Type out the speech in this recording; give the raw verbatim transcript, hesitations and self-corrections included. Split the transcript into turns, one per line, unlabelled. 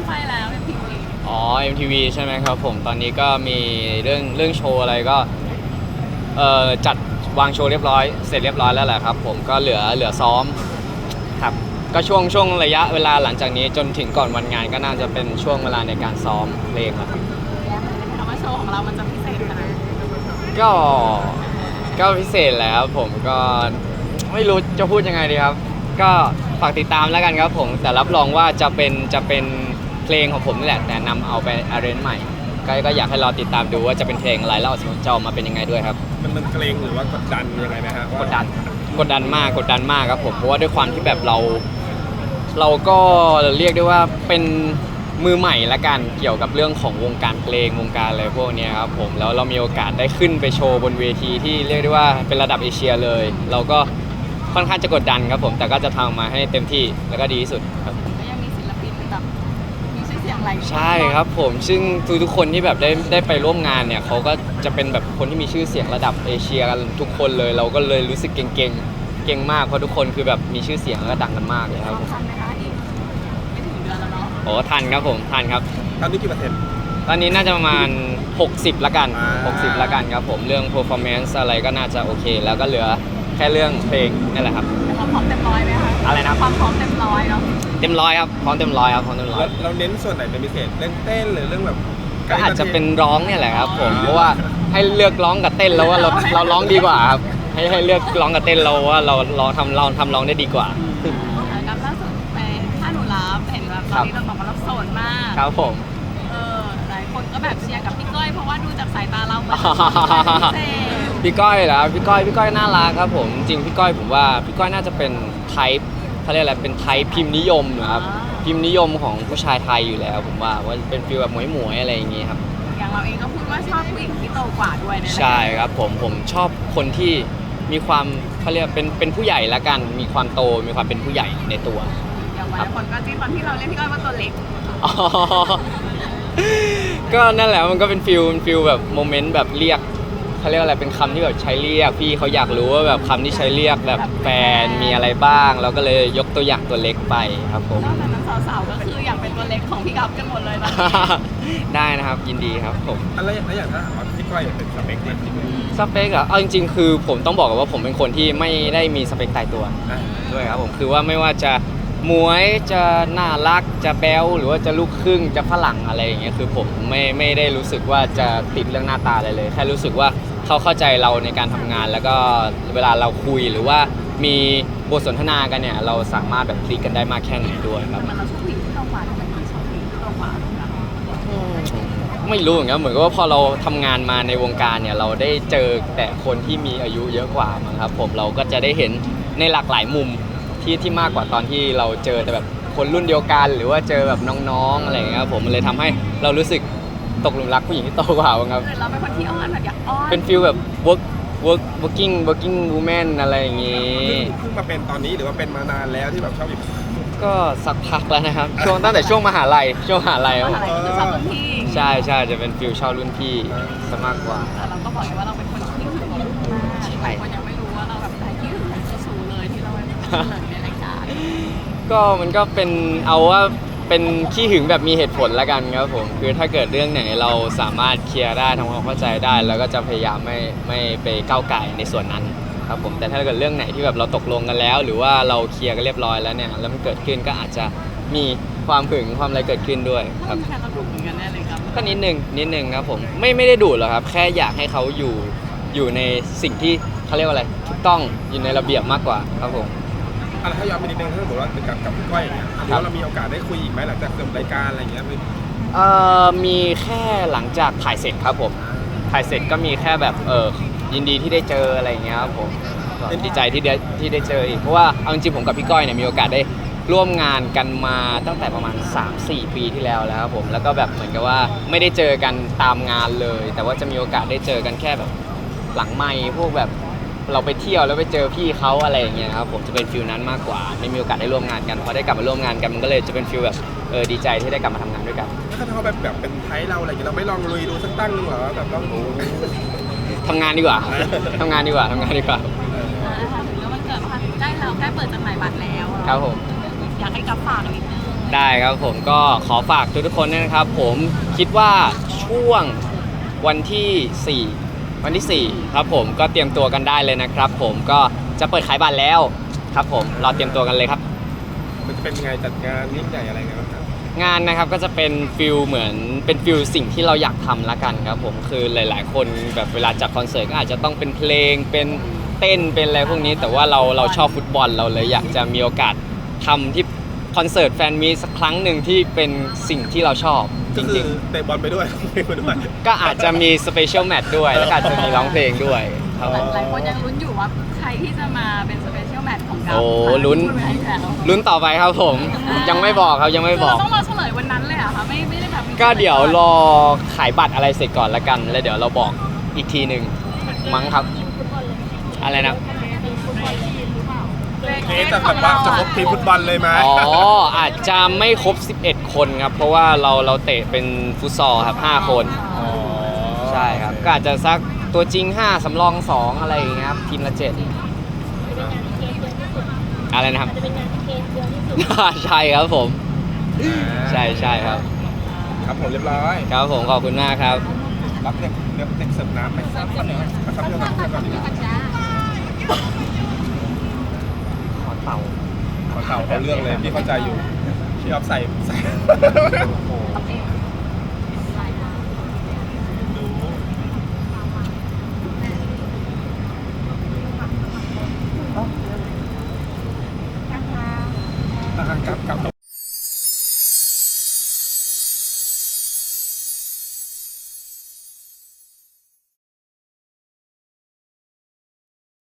ไปแล้ว เอ็ม ที วี
อ๋อ เอ็ม ที วี ใช่ไหมครับผมตอนนี้ก็มีเรื่องเรื่องโชว์อะไรก็เอ่อจัดวางโชว์เรียบร้อยเสร็จเรียบร้อยแล้วแหละครับผมก็เหลือเหลือซ้อมครับก็ช่วงช่วงระยะเวลาหลังจากนี้จนถึงก่อนวันงานก็น่าจะเป็นช่วงเวลาในการซ้อมเพลงแล้วครับ
คำว่าโชว์ของเรามันจะพิเศษขนาดไหน
ก็ก็พิเศษแหละครับผมก็ไม่รู้จะพูดยังไงดีครับก็ฝากติดตามแล้วกันครับผมแต่รับรองว่าจะเป็นจะเป็นเพลงของผมนี่แหละแต่นำเอาไปอาร์เรนจ์ใหม่ก็ก็อยากให้รอติดตามดูว่าจะเป็นเพลงอะไรแล้วจะออกมาเป็นยังไงด้วยครับ
มันมันเกรงหรือว่ากดดันยังไงไหมฮะ
กดดันกดดันมากกดดันมากครับผมเพราะว่าด้วยความที่แบบเราเราก็เรียกได้ว่าเป็นมือใหม่ละกันเกี่ยวกับเรื่องของวงการเพลงวงการอะไรพวกนี้ครับผมแล้วเรามีโอกาสได้ขึ้นไปโชว์บนเวทีที่เรียกได้ว่าเป็นระดับเอเชียเลยเราก็ค่อนข้างจะกดดันครับผมแต่ก็จะทำมาให้เต็มที่แล้วก็ดีที่สุดครับ
ก็ยังมีศิลปินแบบมีชื่อเสียงหลาย
ใช่ครับผมซึ่งทุกๆคนที่แบบได้ได้ไปร่วมงานเนี่ยเขาก็จะเป็นแบบคนที่มีชื่อเสียงระดับเอเชียกันทุกคนเลยเราก็เลยรู้สึกเก่งๆเก่งมากเพราะทุกคนคือแบบมีชื่อเสียงแล้วก็ดังกันมากเลยครับผม
ทันไหมคะอีกไม่ถึงเดือนแล้วเนาะ
โอ้ทันครับผมทันครับ
ตอนนี้กี่เปอร์เซ็นต์
ตอนนี้น่าจะประมาณหกสิบละกันหกสิบละกันครับผมเรื่อง performance อะไรก็น่าจะโอเคแล้วก็เหลือแค่เรื่องเพลงนี่แหละครับ
ความพร้อมเต็มร้อยไหมคะ
อะไรนะ
ความพร้อมเต็มร้อยเนาะ
เต็มร้อยครับพร้อมเต็มร้อยครับพร้อมเต็มร้อย
เราเน้นส่วนไหนเป็นพิเศษเล่นเต้นหรือเรื่องแบบ
ก็อาจจะเป็นร้องเนี่ยแหละครับผมเพราะว่าให้เลือกร้องกับเต้นแล้วว่าเราเราร้องดีกว่าครับให้ให้เลือกร้องกับเต้นเราว่าเราเราทำเราทำร้องได้ดีกว่า
กับล่าสุดไปถ้าหนูรับเห็นแบบตอนนี้เราบอกว่าเราโสดมาก
ครับผม
เออหลายคนก็แบบเชียร์กับพี่ก้อยเพราะว่าดูจากสายตาเราเหมือน
พี่ก้อยเหรอพี่ก้อยพี่ก้อยน่ารักครับผมจริงพี่ก้อยผมว่าพี่ก้อยน่าจะเป็นไทป์เขาเรียกอะไรเป็นไทป์พิมพ์นิยมนะครับพิมพ์นิยมของผู้ชายไทยอยู่แล้วผมว่าว่าเป็นฟีลแบบหมวยๆอะไรอย่างงี้ครับ
อย่างเราเองก็พูดว่าชอบผู้หญิงที่โตกว่าด้วยนะ
ใช่ครับผมผมชอบคนที่มีความเขาเรียกเป็นเป็นผู้ใหญ่ละกันมีความโตมีความเป็นผู้ใหญ่ในตัว
อย่างหลายคนก็จิ้นตอนที่เราเล่นพี่ก้อยว่าตัวเล็ก
ก็นั่นแหละมันก็เป็นฟิลฟิลแบบโมเมนต์แบบเรียกเขาเรียกอะไรเป็นคำที่แบบใช้เรียกพี่เขาอยากรู้ว่าแบบคำที่ใช้เรียกแบบแฟนมีอะไรบ้างเราก็เลยยกตัวอย่างตัวเล็กไปครับผม
นอกจากนั้นสาวๆก็คืออยากเป็นตัวเล็กของพี่กั๊บกันหมดเลยนะ
ได้นะครับยินดีครับผม
อะไรแล้วอย่างถ้าพี่ก้อยเป็นสเปคเนี่ย
สเปคอะเอาจริงๆคือผมต้องบอกว่าผมเป็นคนที่ไม่ได้มีสเปคตายตัวด้วยครับผมคือว่าไม่ว่าจะมวยจะน่ารักจะแบ๊วหรือว่าจะลูกครึ่งจะฝรั่งอะไรอย่างเงี้ยคือผมไม่ไม่ได้รู้สึกว่าจะติดเรื่องหน้าตาอะไรเลยแค่รู้สึกว่าเขาเข้าใจเราในการทำงานแล้วก็เวลาเราคุยหรือว่ามีบทสนทนากันเนี่ยเราสามารถแบบคลิกกันได้มากแค่ไหนด้วยครับ
มันเราชอบผู้หญิงที่โตกว่าทำไมถึงชอบผู้หญิงที่โตกว่า
ไม่รู้เหมือนกันเหมือนกับว่าพอเราทำงานมาในวงการเนี่ยเราได้เจอแต่คนที่มีอายุเยอะกว่ามั้งครับผมเราก็จะได้เห็นในหลากหลายมุมที่ที่มากกว่าตอนที่เราเจอแต่แบบคนรุ่นเดียวกันหรือว่าเจอแบบน้องๆอะไรอย่างเงี้ยผมมันเลยทำให้เรารู้สึกตกหลุมรักผู้หญิงที่โตกว่าครับ
เราเป็นคนที่อ้อนแบบอยากอ้อน
เป็นฟีลแบบ work work working working woman อะไรอย่างงี้
เพิ่งมาเป็นตอนนี้หรือว่าเป็นมานานแล้วที่แบบชอบอยู่
ก็สักพักแล้วนะครับช่วงตั้งแต่ช่วงมหาลัยช่วงมหาลัย
คือชอบรุ่นพี่
ใช่ใช่จะเป็นฟีลชอบรุ่นพี่ซะมากกว่า
แต่เราก็บอกว่าเราเป็นคนที่ถึงมากใช่คนยังไม่รู้ว่าเราแบบใครที่ถึงสูงเลยที่เราเป็นในรายการ
ก็มันก็เป็นเอาว่าเป็นขี้หึงแบบมีเหตุผลละกันครับผมคือถ้าเกิดเรื่องไหนเราสามารถเคลียร์ได้ทำความเข้าใจได้แล้วก็จะพยายามไม่ไม่ไปก้าวไก่ในส่วนนั้นครับผมแต่ถ้าเกิดเรื่องไหนที่แบบเราตกลงกันแล้วหรือว่าเราเคลียร์กันเรียบร้อยแล้วเนี่ยแล้วมันเกิดขึ้นก็อาจจะมีความหึงความอะไรเกิดขึ้นด้วยครับ
แค่เราดุเหมือนกันแน่เลยครับ
ก็นิดนึงนิดนึงครับผมไม่ไม่ได้ดุหรอกครับแค่อยากให้เขาอยู่อยู่ในสิ่งที่เขาเรียกว่าอะไรถูกต้องอยู่ในระเบียบมากกว่าครับผม
อะไรถ้าย้อนไปนิดนึงถ้าสมมติว่ากับกับพี่ก้อยอย่างเงี้ยแล้วเรามีโอกาสได้คุยอีกไหมหลังจากจบรายการอะไรอย่างเงี้ย
เอ่อมีแค่หลังจากถ่ายเสร็จครับผมถ่ายเสร็จก็มีแค่แบบเออยินดีที่ได้เจออะไรอย่างเงี้ยครับผมเป็นดีใจที่ได้ที่ได้เจออีกเพราะว่าเอาจริงๆผมกับพี่ก้อยเนี่ยมีโอกาสได้ร่วมงานกันมาตั้งแต่ประมาณ สามสี่ ปีที่แล้วแล้วครับผมแล้วก็แบบเหมือนกับว่าไม่ได้เจอกันตามงานเลยแต่ว่าจะมีโอกาสได้เจอกันแค่แบบหลังไมค์พวกแบบเราไปเที่ยวแล้วไปเจอพี่เขาอะไรอย่างเงี้ยครับผมจะเป็นฟิลนั้นมากกว่าไม่มีโอกาสได้ร่วมงานกันพอได้กลับมาร่วมงานกันมันก็เลยจะเป็นฟิลแบบเออดีใจที่ได้กลับมาทำงานด้วยกัน
ถ้าเขาแบบแบบเป็นไทยเราอะไรอย่างเงี้ยเราไม่ลองลุยดูสักตั้งเหรอแบบต้อง
ทำงานดีกว่าทำงานดีกว่าทำงานดีกว่า
ถึงแล้วมันเกิดมาใกล้เราใกล้เปิดจำหน่ายบัตรแล้ว
ครับผม
อยากให้กับฝากนิดนึง
ได้ครับผมก็ขอฝากทุกๆคนด้วยนะครับ ผมคิดว่าช่วงวันที่สี่วันที่สี่ครับผมก็เตรียมตัวกันได้เลยนะครับ ผมก็จะเปิดขายบัตรแล้วครับผมรอเตรียมตัวกันเลยครับ
มันจะเป็นยังไงจัดงานยิ่งใหญ่อะไรเงี้ยครับ
งานนะครับก็จะเป็นฟิลเหมือนเป็นฟิลสิ่งที่เราอยากทำละกันครับผมคือหลาย ๆ คนแบบเวลาจัดคอนเสิร์ตก็อาจจะต้องเป็นเพลงเป็นเต้นเป็นอะไรพวกนี้ แต่ว่าเราเราชอบฟุตบอลเราเลยอยากจะมีโอกาสทำที่คอนเสิร์ตแฟนมีตสักครั้งหนึ่งที่เป็นสิ่งที่เราชอบจ
ก็คื
ริ
อง เตะบอลไปด้วยเพลงไปด้วย
ๆ ก็อาจจะมีสเปเชียลแมตช์ด้วยแล้วก็อาจจะมีร้องเพลงด้วยครับผม
หลายคนยังลุ้นอยู่ว่าใครที่จะมาเป็นสเปเชียลแมตช์ของเรา
โอ้ลุ้น
พูดไว้ให้แล้ว
ลุ้นต่อไปครับผมยังไม่บอกครับยังไม่บอก
คือเราต้องรอเฉลยวันนั้นเลยเหรอะคะไม่ไม่ได้แบบมี
ก็เดี๋ยวรอขายบัตรอะไรเสร็จก่อนละกัน แล้วเดี๋ยวเราบอกอีกทีหนึ่งมั้งครับ อะไรนะ
เอ๊ะจะแบบว่าจะครบทีมฟุตบอลเลยไหม
อ๋อ อาจจะไม่ครบ สิบเอ็ด คนครับ เพราะว่าเราเราเตะเป็นฟุตซอลครับห้าคน
อ๋อ
ใช่ครับ ก็อาจจะสักตัวจริง ห้า สำรอง สอง อะไรอย่างเงี้ยครับ ทีมละ เจ็ด อะไรนะครับ ใช่ครับผม ใช่ใช่ครับ
ครับผมเรียบร้อย
ครับผมขอบคุณมากครับ
รับเด็กเด็กเด็กเสิร์ฟน้ำไปซับก่อนเลยซับเรื่องน้ำก่อนดีกว่า
ขอเต่า
ขอเข่าเอาเรื่องเลยพี่เข้าใจอยู่พี่ออฟใส่ใส่